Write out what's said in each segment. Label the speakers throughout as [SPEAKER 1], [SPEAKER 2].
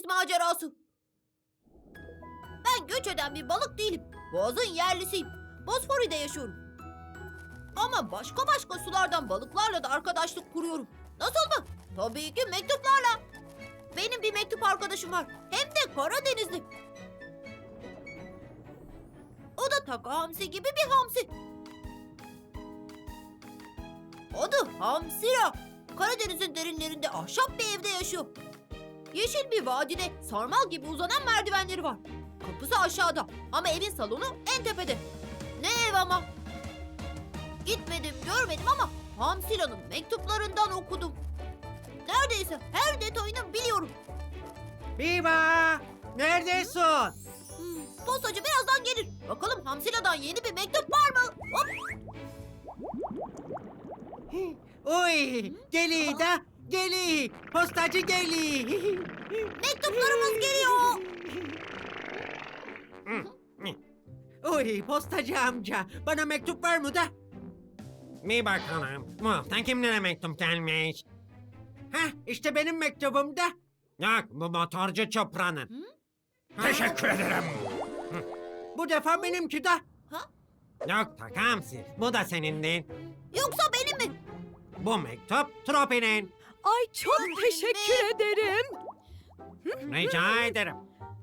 [SPEAKER 1] deniz macerası. Ben göç eden bir balık değilim. Boğazın yerlisiyim. Bosfori'de yaşıyorum. Ama başka sulardan balıklarla da arkadaşlık kuruyorum. Nasıl mı? Tabii ki mektuplarla. Benim bir mektup arkadaşım var. Hem de Karadenizli. O da Taka Hamsi gibi bir hamsi. Adı Hamsira. Karadeniz'in derinlerinde ahşap bir evde yaşıyor. Yeşil bir vadide sarmal gibi uzanan merdivenleri var. Kapısı aşağıda ama evin salonu en tepede. Ne ev ama. Gitmedim, görmedim ama Hamsira'nın mektuplarından okudum. Neredeyse her detayını biliyorum.
[SPEAKER 2] Biba! Neredesin?
[SPEAKER 1] Postacı birazdan gelir. Bakalım Hamsira'dan yeni bir mektup var mı? Hop!
[SPEAKER 2] Oy! Geli da! Geli! Postacı geli!
[SPEAKER 1] Mektuplarımız geliyor.
[SPEAKER 2] Oy postacı amca! Bana mektup var mı da?
[SPEAKER 3] Bir bakalım. Bu hafta kimlere mektup gelmiş?
[SPEAKER 2] Hah işte benim mektubum da.
[SPEAKER 3] Yok, bu motorcu Çopra'nın. Teşekkür ederim.
[SPEAKER 2] Bu defa benimki de.
[SPEAKER 3] Yok Takamsi, bu da senin değil.
[SPEAKER 1] Yoksa benim mi?
[SPEAKER 3] Bu mektup Tropi'nin.
[SPEAKER 4] Ay çok teşekkür ederim.
[SPEAKER 3] Rica ederim.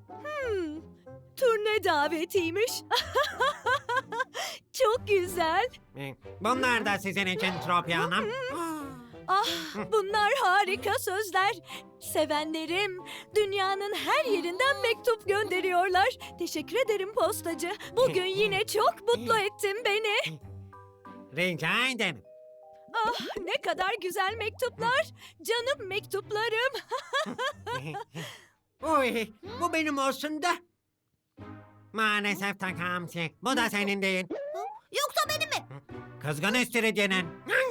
[SPEAKER 4] Turne davetiymiş. Çok güzel.
[SPEAKER 3] Bunlar da sizin için Tropi Hanım.
[SPEAKER 4] Ah, bunlar harika sözler. Sevenlerim dünyanın her yerinden mektup gönderiyorlar. Teşekkür ederim postacı. Bugün yine çok mutlu ettin beni.
[SPEAKER 3] Rica ederim.
[SPEAKER 4] Ah, ne kadar güzel mektuplar. Canım mektuplarım.
[SPEAKER 2] Oy bu benim olsun da.
[SPEAKER 3] Maalesef Takamsi, bu da senin değil.
[SPEAKER 1] Yoksa benim mi?
[SPEAKER 3] Kızgın istiridyenin.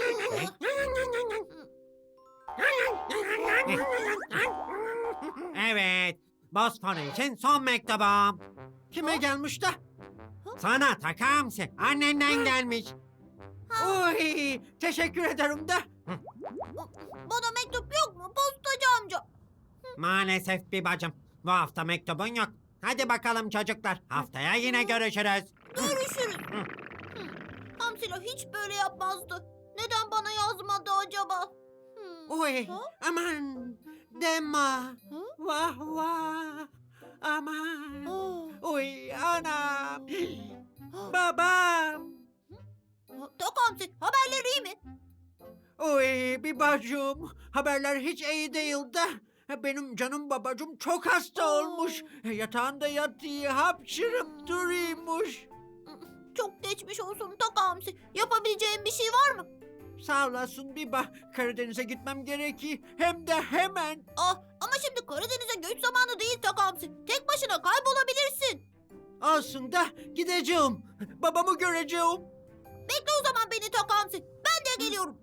[SPEAKER 3] Evet, Bosfor için son mektubum.
[SPEAKER 2] Kime gelmiş de?
[SPEAKER 3] Sana Takamsi, annenden gelmiş.
[SPEAKER 2] Oy teşekkür ederim de.
[SPEAKER 1] Bana mektup yok mu postacı amca?
[SPEAKER 3] Maalesef bir bacım, bu hafta mektubun yok. Hadi bakalım çocuklar, haftaya yine görüşürüz.
[SPEAKER 1] Görüşürüz. Hamsila hiç böyle yapmazdı. Neden bana yazmadı acaba?
[SPEAKER 2] Oy
[SPEAKER 1] Ha?
[SPEAKER 2] aman deme. Vah vah. Aman. Oy anam. Babam.
[SPEAKER 1] Tak Hamsi, haberleri iyi mi?
[SPEAKER 2] Oy bir bacım. Haberler hiç iyi değil de. Benim canım babacım çok hasta olmuş. Yatağında yatıyor, hapşırıp duruyormuş.
[SPEAKER 1] Çok geçmiş olsun Tak Hamsi. Yapabileceğim bir şey var mı?
[SPEAKER 2] Sağ olasın Biba. Karadeniz'e gitmem gerekiyor. Hem de hemen.
[SPEAKER 1] Ama şimdi Karadeniz'e göç zamanı değil Tak Hamsi. Tek başına kaybolabilirsin.
[SPEAKER 2] Olsun da gideceğim. Babamı göreceğim.
[SPEAKER 1] Bekle o zaman beni Tak Hamsi. Ben de geliyorum.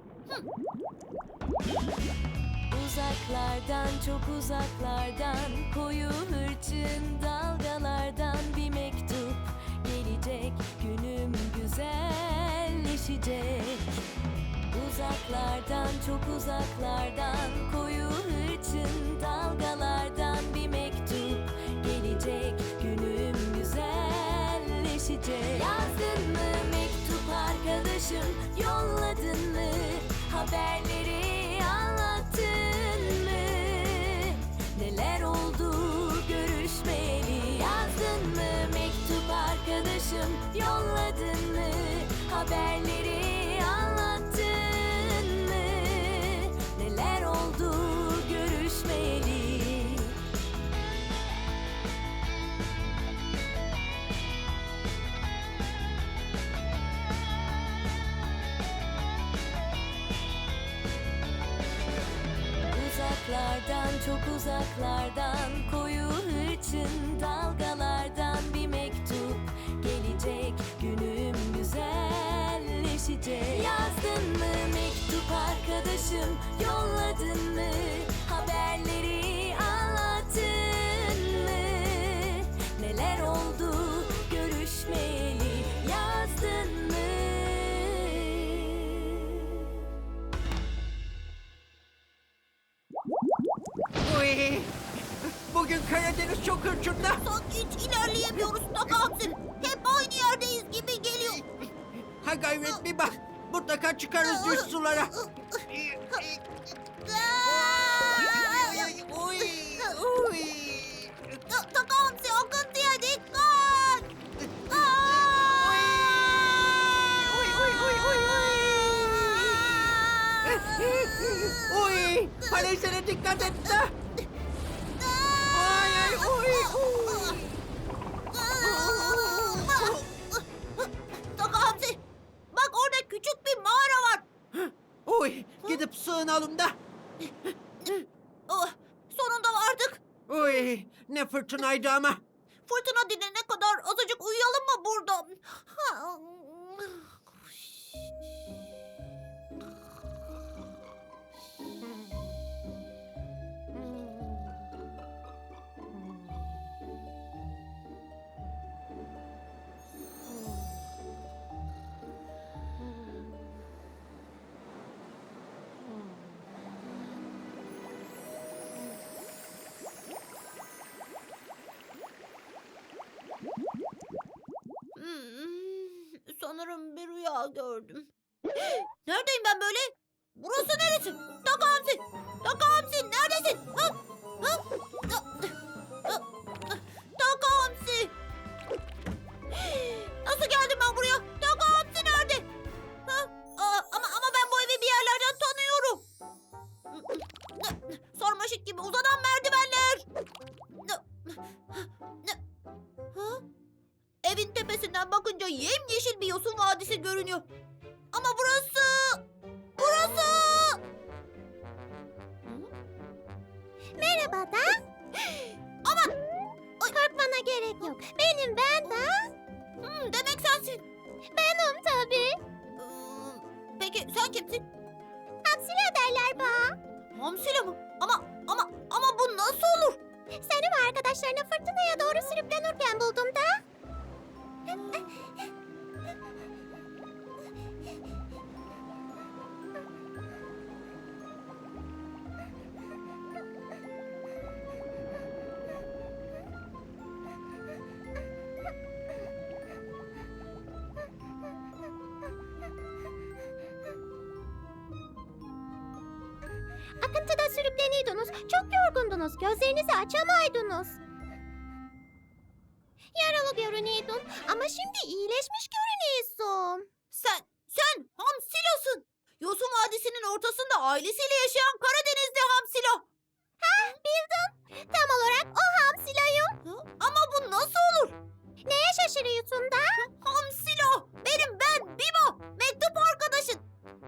[SPEAKER 5] Uzaklardan çok uzaklardan koyu hırçın dalgalardan bir mektup gelecek, günüm güzelleşecek. Uzaklardan çok uzaklardan koyu hırçın dalgalardan bir mektup gelecek, günüm güzelleşecek. Yazdın mı mektup arkadaşım, yolladın mı haberleri, anlattın mı neler oldu görüşmeyeli? Yazdın mı mektup arkadaşım, yolladın mı haberleri, anlattın mı neler oldu görüşmeyeli? Uzaklardan çok uzaklardan koyu hırçın dalgalardan bir mektup gelecek, günüm güzelleşecek. Yazdın mı mektup arkadaşım, yolladın mı haberleri, anlattın mı neler oldu görüşmeyeli? Yazdın mı?
[SPEAKER 2] Oy. Bugün Karadeniz çok hırçında.
[SPEAKER 1] Sanki hiç ilerleyemiyoruz Taka Hamsi. Hep aynı yerdeyiz gibi geliyor.
[SPEAKER 2] Ha gayret bir bak. Mutlaka çıkarız düz sulara. Oy, oy.
[SPEAKER 1] Taka Hamsi akıntıya dikkat.
[SPEAKER 2] Oy, falezlere dikkat et de. Ay, ay, oy, oy.
[SPEAKER 1] Taka Hamsi, bak orada küçük bir mağara var.
[SPEAKER 2] Oy, gidip sığınalım da.
[SPEAKER 1] Oh, sonunda vardık.
[SPEAKER 2] Oy, ne fırtınaydı ama.
[SPEAKER 1] Fırtına dinene kadar azıcık uyuyalım mı burada? Sanırım bir rüya gördüm. Neredeyim ben böyle? Burası neresi? Taka Hamsi! Taka Hamsi neredesin? Ha? Ha? Taka Hamsi! Nasıl geldim ben buraya? Taka Hamsi nerede? Ha? Ama ben bu evi bir yerlerden tanıyorum. Sarmaşık gibi uzanan merdivenler. Ha? Evin tepesinden bakınca yemyeşil bir yosun vadisi görünüyor. Ama burası...
[SPEAKER 6] Merhaba da.
[SPEAKER 1] Aman!
[SPEAKER 6] Korkmana gerek yok. Benim ben de.
[SPEAKER 1] Demek sensin.
[SPEAKER 6] Benim tabii.
[SPEAKER 1] Peki sen kimsin?
[SPEAKER 6] Hamsile derler bana.
[SPEAKER 1] Hamsile mi? Ama bu nasıl olur?
[SPEAKER 6] Seni ve arkadaşlarını fırtınaya doğru sürüklenirken buldum da. Akıntıda sürükleniydiniz. Çok yorgundunuz. Gözlerinizi açamaydınız. Yaralı görünüyordun ama şimdi iyileşmiş görünüyorsun.
[SPEAKER 1] Sen Hamsilo'sun. Yosun Vadisi'nin ortasında ailesiyle yaşayan Karadenizli Hamsilo.
[SPEAKER 6] Bildin. Tam olarak o Hamsilo'yum.
[SPEAKER 1] Ama bu nasıl olur?
[SPEAKER 6] Neye şaşırıyorsun da?
[SPEAKER 1] Hamsilo! Ben Bibo! Mektup arkadaşın.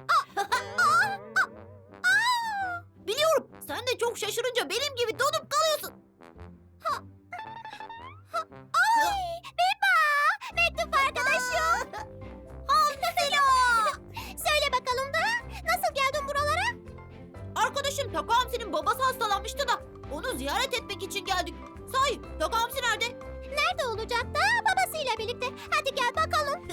[SPEAKER 1] Biliyorum. Sen de çok şaşırınca benim gibi donup kalıyorsun.
[SPEAKER 6] Ay, Biba! Mektup arkadaşım.
[SPEAKER 1] Hamsilo!
[SPEAKER 6] Söyle bakalım da nasıl geldin buralara?
[SPEAKER 1] Arkadaşım Taka Hamsi'nin babası hastalanmıştı da onu ziyaret etmek için geldik. Sahi Taka Hamsi nerede?
[SPEAKER 6] Nerede olacak da babasıyla birlikte. Hadi gel bakalım.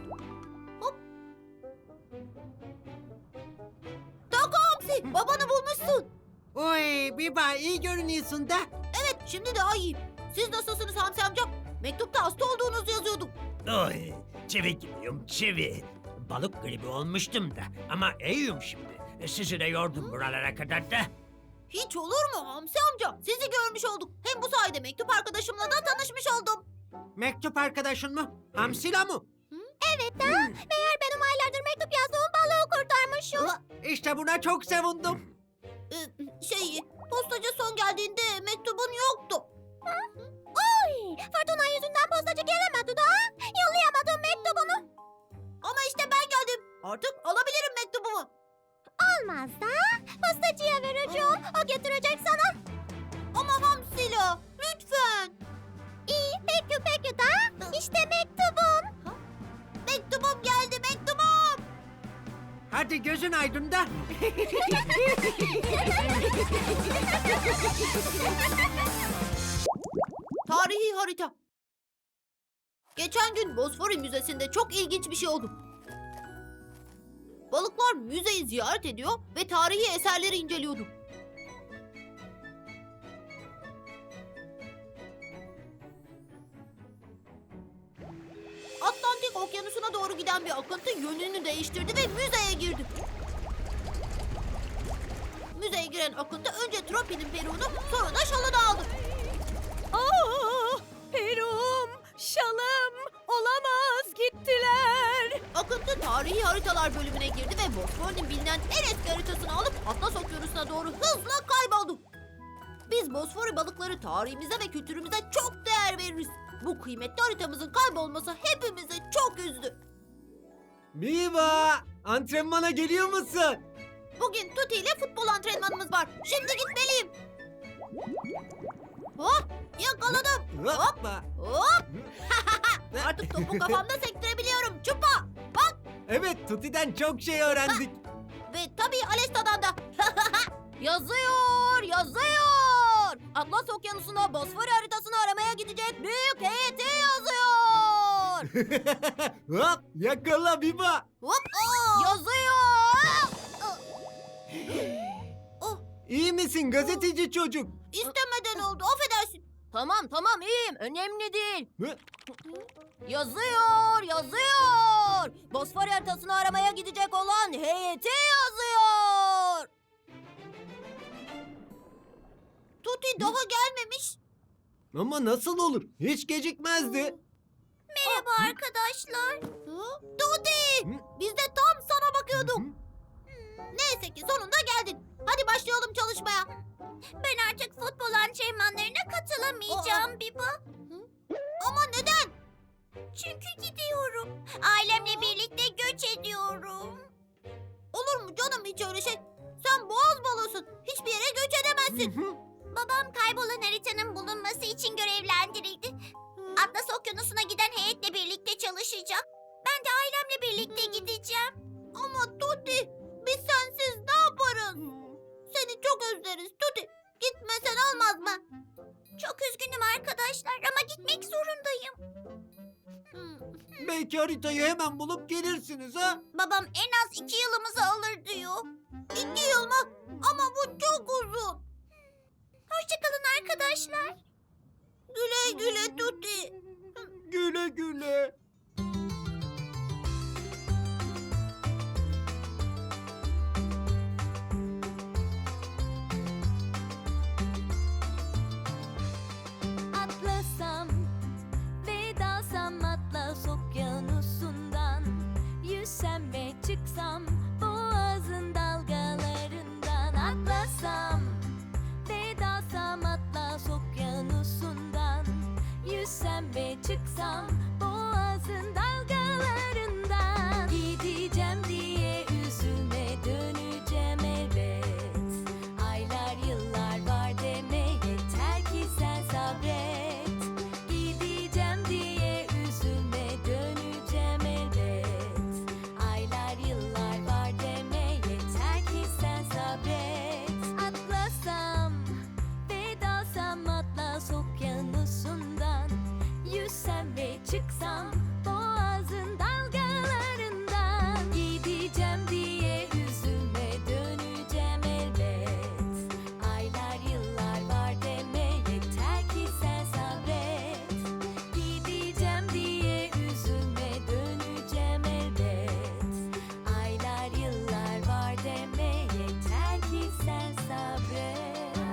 [SPEAKER 1] Taka Hamsi babanı bulmuşsun.
[SPEAKER 2] Oy, Biba iyi görünüyorsun da.
[SPEAKER 1] Evet şimdi daha iyiyim. Siz nasılsınız Hamsi amca? Mektupta hasta olduğunuzu yazıyordum.
[SPEAKER 3] Oy, çivi gibiyim, çivi. Balık gribi olmuştum da ama iyiyim şimdi. Sizi de yordum buralara kadar da.
[SPEAKER 1] Hiç olur mu Hamsi amca? Sizi görmüş olduk. Hem bu sayede mektup arkadaşımla da tanışmış oldum.
[SPEAKER 2] Mektup arkadaşın mı? Hamsila mı?
[SPEAKER 6] Evet da meğer benim aylardır mektup yazdığım balığı kurtarmışım.
[SPEAKER 2] İşte buna çok sevindim.
[SPEAKER 1] Postacı son geldiğinde mektubun yoktu.
[SPEAKER 6] Oy, fırtına yüzünden postacı gelemedi da. Yollayamadım mektubunu.
[SPEAKER 1] Ama işte ben geldim. Artık alabilirim mektubumu.
[SPEAKER 6] Olmaz da postacıya vereceğim. O getirecek sana.
[SPEAKER 1] Ama Hamsila lütfen.
[SPEAKER 6] İyi peki da işte mektubum.
[SPEAKER 1] Mektubum geldi mektubum.
[SPEAKER 2] Hadi gözün aydın da.
[SPEAKER 1] Tarihi harita. Geçen gün Bosfori Müzesi'nde çok ilginç bir şey oldu. Balıklar müzeyi ziyaret ediyor ve tarihi eserleri inceliyordu. Atlantik Okyanusu'na doğru giden bir akıntı yönünü değiştirdi ve müzeye girdi. Müzeye giren akıntı önce Tropi'nin peruğunu sonra da şalını aldı.
[SPEAKER 4] Perum, şalım, olamaz gittiler.
[SPEAKER 1] Akıntı tarihi haritalar bölümüne girdi ve Bosfor'un bilinen en eski haritasını alıp Atlas Okyanusu'na doğru hızla kayboldu. Biz Bosfor balıkları tarihimize ve kültürümüze çok değer veririz. Bu kıymetli haritamızın kaybolması hepimizi çok üzdü.
[SPEAKER 7] Miva, antrenmana geliyor musun?
[SPEAKER 1] Bugün Tuti ile futbol antrenmanımız var. Şimdi gitmeliyim. Hop, yakaladım.
[SPEAKER 7] Hoppa.
[SPEAKER 1] Hop. Artık topu kafamda sektirebiliyorum. Çupa. Bak.
[SPEAKER 7] Evet, Tuti'den çok şey öğrendik.
[SPEAKER 1] Ve tabii Alesta'dan da. Yazıyor, yazıyor. Atlas Okyanusu'na Bosfor haritasını aramaya gidecek büyük heyeti yazıyor.
[SPEAKER 7] Hop, yakala Miva.
[SPEAKER 1] Hop, yazıyor.
[SPEAKER 7] İyi misin gazeteci çocuk?
[SPEAKER 1] İstemeden oldu, affedersin. Tamam iyiyim, önemli değil.
[SPEAKER 7] Hı?
[SPEAKER 1] Yazıyor, yazıyor. Bosfor haritasını aramaya gidecek olan heyeti yazıyor. Tuti daha gelmemiş.
[SPEAKER 7] Ama nasıl olur? Hiç gecikmezdi.
[SPEAKER 6] Merhaba arkadaşlar.
[SPEAKER 1] Tuti!
[SPEAKER 7] Hı?
[SPEAKER 1] Biz de tam sana bakıyorduk.
[SPEAKER 7] Hı?
[SPEAKER 1] Neyse ki sonunda geldin. Hadi başlayalım çalışmaya.
[SPEAKER 6] Ben artık futbol antrenmanlarına katılamayacağım Biba.
[SPEAKER 1] Ama neden?
[SPEAKER 6] Çünkü gidiyorum. Ailemle birlikte göç ediyorum.
[SPEAKER 1] Olur mu canım hiç öyle şey? Sen boğaz balosun. Hiçbir yere göç edemezsin.
[SPEAKER 6] Babam kaybolan haritanın bulunması için görevlendirildi. Atlas Okyanusu'na giden heyetle birlikte çalışacak. Ben de ailemle birlikte gideceğim.
[SPEAKER 1] Ama Tuti, biz sensiz ne yaparız? Seni çok özleriz Tuti. Gitmesen olmaz mı?
[SPEAKER 6] Çok üzgünüm arkadaşlar ama gitmek zorundayım.
[SPEAKER 7] Belki haritayı hemen bulup gelirsiniz ha?
[SPEAKER 6] Babam en az 2 yılımızı alır diyor.
[SPEAKER 1] 2 yıl mı? Ama bu çok uzun.
[SPEAKER 6] Hoşçakalın arkadaşlar.
[SPEAKER 1] Güle güle Tuti.
[SPEAKER 7] Güle güle.
[SPEAKER 5] Atlasam ve dalsam Atlas Okyanusu'ndan, yüzsem ve çıksam boğazın dalgalarından. Atlasam ve dalsam Atlas Okyanusu'ndan, yüzsem ve çıksam boğazın dalgalarından. Gideceğim diye üzülme, döneceğim elbet. Aylar yıllar var deme, yeter ki sen sabret. Gideceğim diye üzülme, döneceğim elbet. Aylar yıllar var deme, yeter ki sen sabret. Atlasam ve dalsam Atlas Okyanusu'ndan, yüzsem ve çıksam boğazın dalgalarından. Gideceğim diye üzülme, döneceğim elbet. Aylar yıllar var deme, yeter ki sen sabret. Gideceğim diye üzülme, döneceğim elbet. Aylar yıllar var deme, yeter ki sen sabret.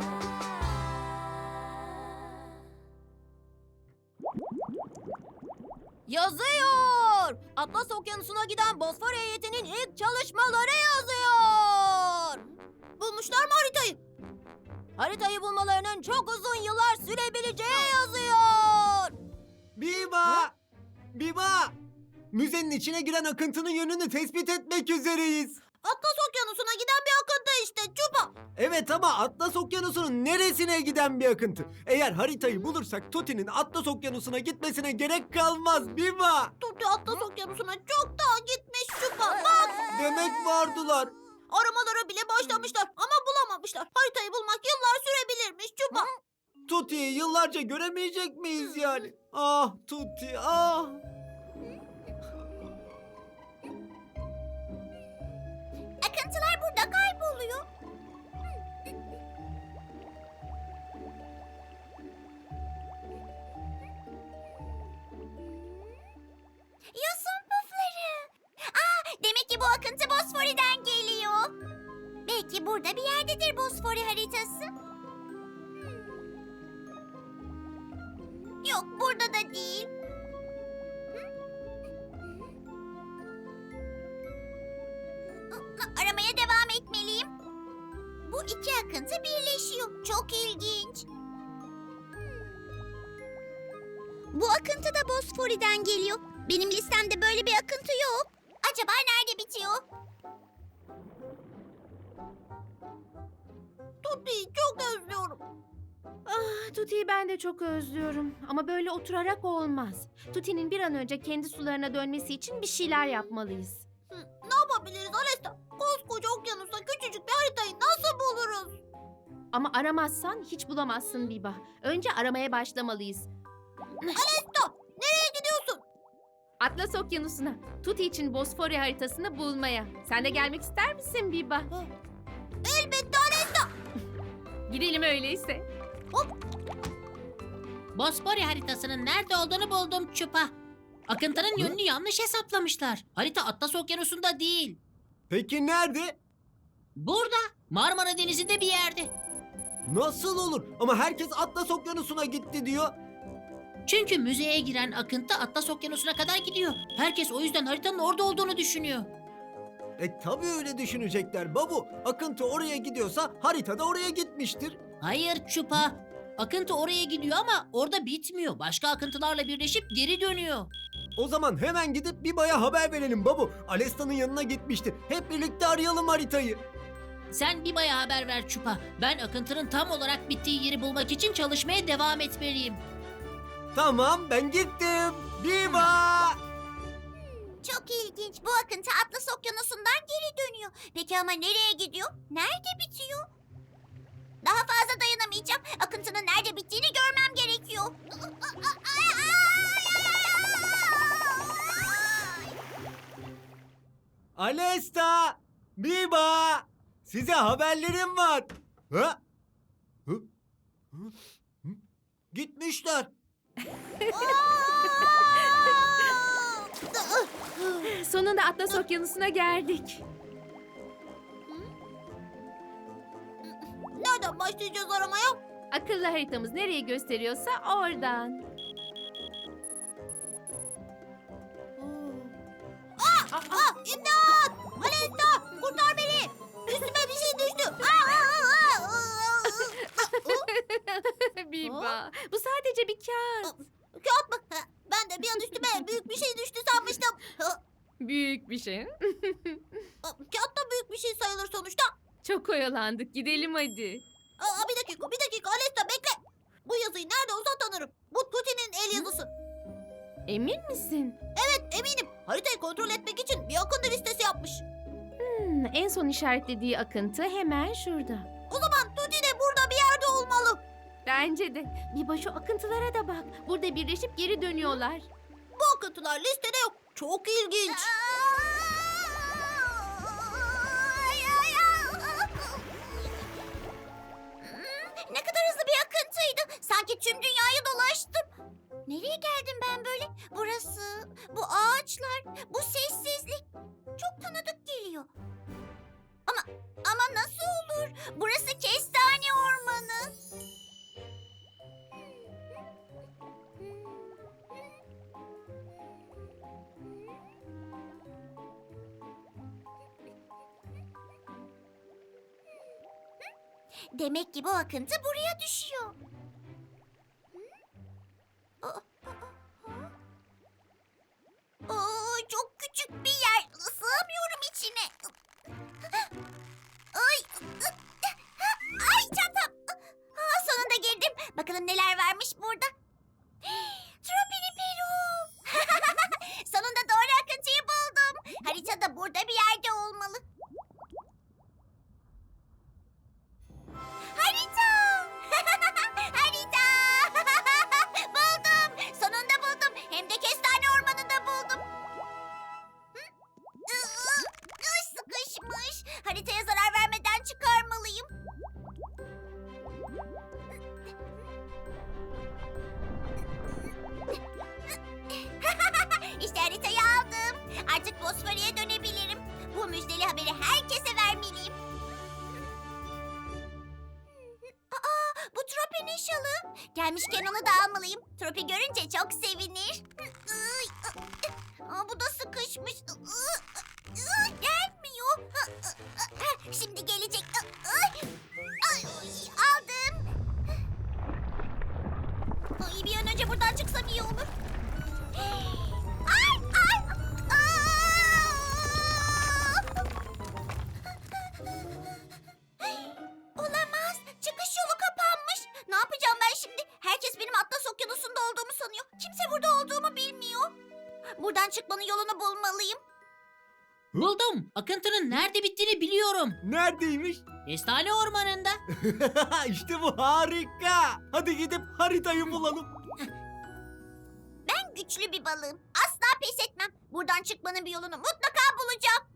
[SPEAKER 1] Yazıyor. Atlas Okyanusu'na giden Bosfor heyetinin ilk çalışmaları yazıyor. Bulmuşlar mı haritayı? Haritayı bulmalarının çok uzun yıllar sürebileceği yazıyor.
[SPEAKER 7] Biba! Biba! Müzenin içine giren akıntının yönünü tespit etmek üzereyiz.
[SPEAKER 1] Atlas Okyanusu'na giden bir akıntı işte Çupa.
[SPEAKER 7] Evet ama Atlas Okyanusu'nun neresine giden bir akıntı? Eğer haritayı bulursak Tuti'nin Atlas Okyanusu'na gitmesine gerek kalmaz Biba.
[SPEAKER 1] Tuti Atlas Okyanusu'na çok daha gitmiş Çupa. Bak,
[SPEAKER 7] Demek vardılar.
[SPEAKER 1] aramalara bile başlamışlar ama bulamamışlar. Haritayı bulmak yıllar sürebilirmiş Çupa.
[SPEAKER 7] Tuti'yi yıllarca göremeyecek miyiz yani? Ah Tuti ah.
[SPEAKER 6] Akıntılar burada kayboluyor. Ya Burada bir yerdedir Bosfori haritası. Yok, burada da değil. Aramaya devam etmeliyim. Bu iki akıntı birleşiyor. Çok ilginç. Bu akıntı da Bosfori'den geliyor. Benim listemde böyle bir akıntı yok. Acaba nerede bitiyor?
[SPEAKER 1] Tuti'yi çok özlüyorum.
[SPEAKER 8] Tuti'yi ben de çok özlüyorum. Ama böyle oturarak olmaz. Tuti'nin bir an önce kendi sularına dönmesi için bir şeyler yapmalıyız.
[SPEAKER 1] Ne yapabiliriz Alesta? Koskoca okyanusta küçücük bir haritayı nasıl buluruz?
[SPEAKER 8] Ama aramazsan hiç bulamazsın Biba. Önce aramaya başlamalıyız.
[SPEAKER 1] Alesta, nereye gidiyorsun?
[SPEAKER 8] Atlas Okyanusu'na, Tuti için Bosfori haritasını bulmaya. Sen de gelmek ister misin Biba?
[SPEAKER 1] Elbette Alesta.
[SPEAKER 8] Gidelim öyleyse.
[SPEAKER 9] Bosfori haritasının nerede olduğunu buldum Çupa. Akıntının yönünü yanlış hesaplamışlar. Harita Atlas Okyanusu'nda değil.
[SPEAKER 7] Peki nerede?
[SPEAKER 9] Burada, Marmara Denizi'nde bir yerde.
[SPEAKER 7] Nasıl olur? Ama herkes Atlas Okyanusu'na gitti diyor.
[SPEAKER 9] Çünkü müzeye giren akıntı Atlas Okyanusu'na kadar gidiyor. Herkes o yüzden haritanın orada olduğunu düşünüyor.
[SPEAKER 7] Tabii öyle düşünecekler babu. Akıntı oraya gidiyorsa harita da oraya gitmiştir.
[SPEAKER 9] Hayır Çupa. Akıntı oraya gidiyor ama orada bitmiyor. Başka akıntılarla birleşip geri dönüyor.
[SPEAKER 7] O zaman hemen gidip Biba'ya haber verelim babu. Alesta'nın yanına gitmişti. Hep birlikte arayalım haritayı.
[SPEAKER 9] Sen Biba'ya haber ver Çupa. Ben akıntının tam olarak bittiği yeri bulmak için çalışmaya devam etmeliyim.
[SPEAKER 7] Tamam, ben gittim. Biba!
[SPEAKER 6] Çok ilginç. Bu akıntı Atlas Okyanusu'ndan geri dönüyor. Peki ama nereye gidiyor? Nerede bitiyor? Daha fazla dayanamayacağım. Akıntının nerede bittiğini görmem gerekiyor.
[SPEAKER 7] Alesta! Biba! Size haberlerim var. Ha? Hı? Hı? Hı? Gitmişler.
[SPEAKER 8] Sonunda Atlas Okyanusu'na geldik.
[SPEAKER 1] Nereden başlayacağız aramaya?
[SPEAKER 8] Akıllı haritamız nereye gösteriyorsa oradan.
[SPEAKER 1] İmdat! Alesta, kurtar beni! Üstüme bir şey düştü.
[SPEAKER 8] Biba, bu sadece bir kağıt.
[SPEAKER 1] Kağıt mı? Ben de bir an üstüme büyük bir şey düştü sanmıştım.
[SPEAKER 8] Büyük bir şey.
[SPEAKER 1] Kağıt da büyük bir şey sayılır sonuçta.
[SPEAKER 8] Çok oyalandık. Gidelim hadi.
[SPEAKER 1] Bir dakika Alesta bekle. Bu yazıyı nerede olsa tanırım. Bu Tuti'nin el yazısı.
[SPEAKER 8] Emin misin?
[SPEAKER 1] Evet eminim. Haritayı kontrol etmek için bir akıntı listesi yapmış.
[SPEAKER 8] En son işaretlediği akıntı hemen şurada.
[SPEAKER 1] O zaman Tuti de burada bir yerde olmalı.
[SPEAKER 8] Bence de. Biba şu akıntılara da bak. Burada birleşip geri dönüyorlar.
[SPEAKER 1] Bu akıntılar listede yok. Çok ilginç.
[SPEAKER 6] Ne kadar hızlı bir akıntıydı. Sanki tüm dünyayı dolaştım. Nereye geldim ben böyle? Burası, bu ağaçlar, bu sessizlik. Çok tanıdık geliyor. Ama nasıl olur? Burası kestane ormanı. Demek ki bu akıntı buraya düşüyor. Çok küçük bir yer. Sığamıyorum içine. Ay çantam. Sonunda girdim. Bakalım neler varmış burada. Tropiniperum. Sonunda doğru akıntıyı buldum. Haritada burada bir yerde olmalı. Harita! Harita! Buldum. Sonunda buldum. Hem de kestane ormanında buldum. Sıkışmış. Haritaya zarar vermeden çıkarmalıyım. Tropi'nin şalı. Gelmişken onu da almalıyım. Tropi görünce çok sevinir. Bu da sıkışmış. Gelmiyor. Şimdi gelecek. Aldım. Bir an önce buradan çıksam iyi olur. Ay, ay, Olamaz. Çıkış yolu kapanmış. Ne yapacağım ben şimdi? Herkes benim Atlas Okyanusu'nda olduğumu sanıyor. Kimse burada olduğumu bilmiyor. Buradan çıkmanın yolunu bulmalıyım.
[SPEAKER 9] Buldum. Akıntının nerede bittiğini biliyorum.
[SPEAKER 7] Neredeymiş?
[SPEAKER 9] Kestane ormanında.
[SPEAKER 7] İşte bu harika. Hadi gidip haritayı bulalım.
[SPEAKER 6] Ben güçlü bir balığım. Asla pes etmem. Buradan çıkmanın bir yolunu mutlaka bulacağım.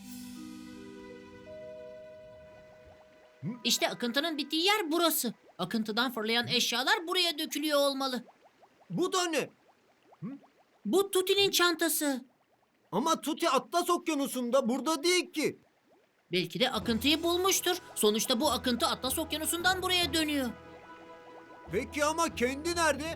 [SPEAKER 9] İşte akıntının bittiği yer burası. Akıntıdan fırlayan eşyalar buraya dökülüyor olmalı.
[SPEAKER 7] Bu da ne?
[SPEAKER 9] Bu Tuti'nin çantası.
[SPEAKER 7] Ama Tuti Atlas Okyanusu'nda, burada değil ki.
[SPEAKER 9] Belki de akıntıyı bulmuştur. Sonuçta bu akıntı Atlas Okyanusu'ndan buraya dönüyor.
[SPEAKER 7] Peki ama kendi nerede?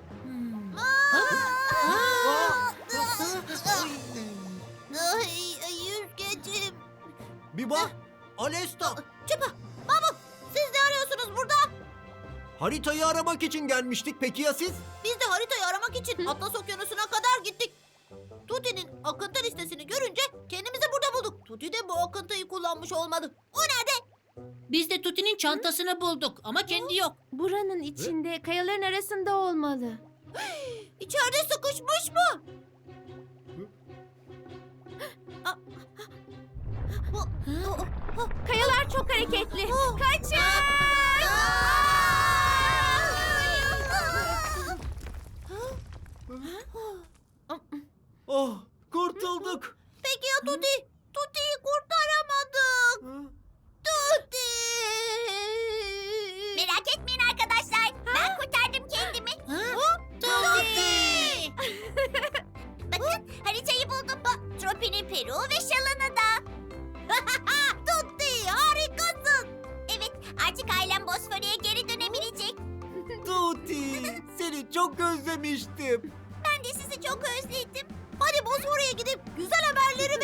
[SPEAKER 6] Ay, yüzgecim.
[SPEAKER 2] Biba, Alesta,
[SPEAKER 1] Siz ne arıyorsunuz burada?
[SPEAKER 7] Haritayı aramak için gelmiştik. Peki ya siz?
[SPEAKER 1] Biz de haritayı aramak için Atlas Okyanusu'na kadar gittik. Tuti'nin akıntı listesini görünce kendimizi burada bulduk. Tuti de bu akıntıyı kullanmış olmalı. O nerede?
[SPEAKER 9] Biz de Tuti'nin çantasını bulduk ama kendi yok.
[SPEAKER 8] Buranın içinde, kayaların arasında olmalı.
[SPEAKER 1] İçeride sıkışmış mı?
[SPEAKER 8] Kayalar çok hareketli. Kaçın!
[SPEAKER 7] Oh, kurtulduk.
[SPEAKER 1] Peki ya Tuti? Tuti'yi kurtaramadık. Tuti!
[SPEAKER 6] Merak etmeyin arkadaşlar. Ben kurtardım kendimi.
[SPEAKER 1] Tuti!
[SPEAKER 6] Bakın haritayı buldum. Tropi'nin peruğu ve şalını da.
[SPEAKER 1] Tuti harikasın.
[SPEAKER 6] Evet, artık ailem Bosfor'a geri dönebilecek.
[SPEAKER 7] Tuti, seni çok özlemiştim.
[SPEAKER 6] Ben de sizi çok özledim.
[SPEAKER 1] Hadi Bosfor'a gidip güzel haberleri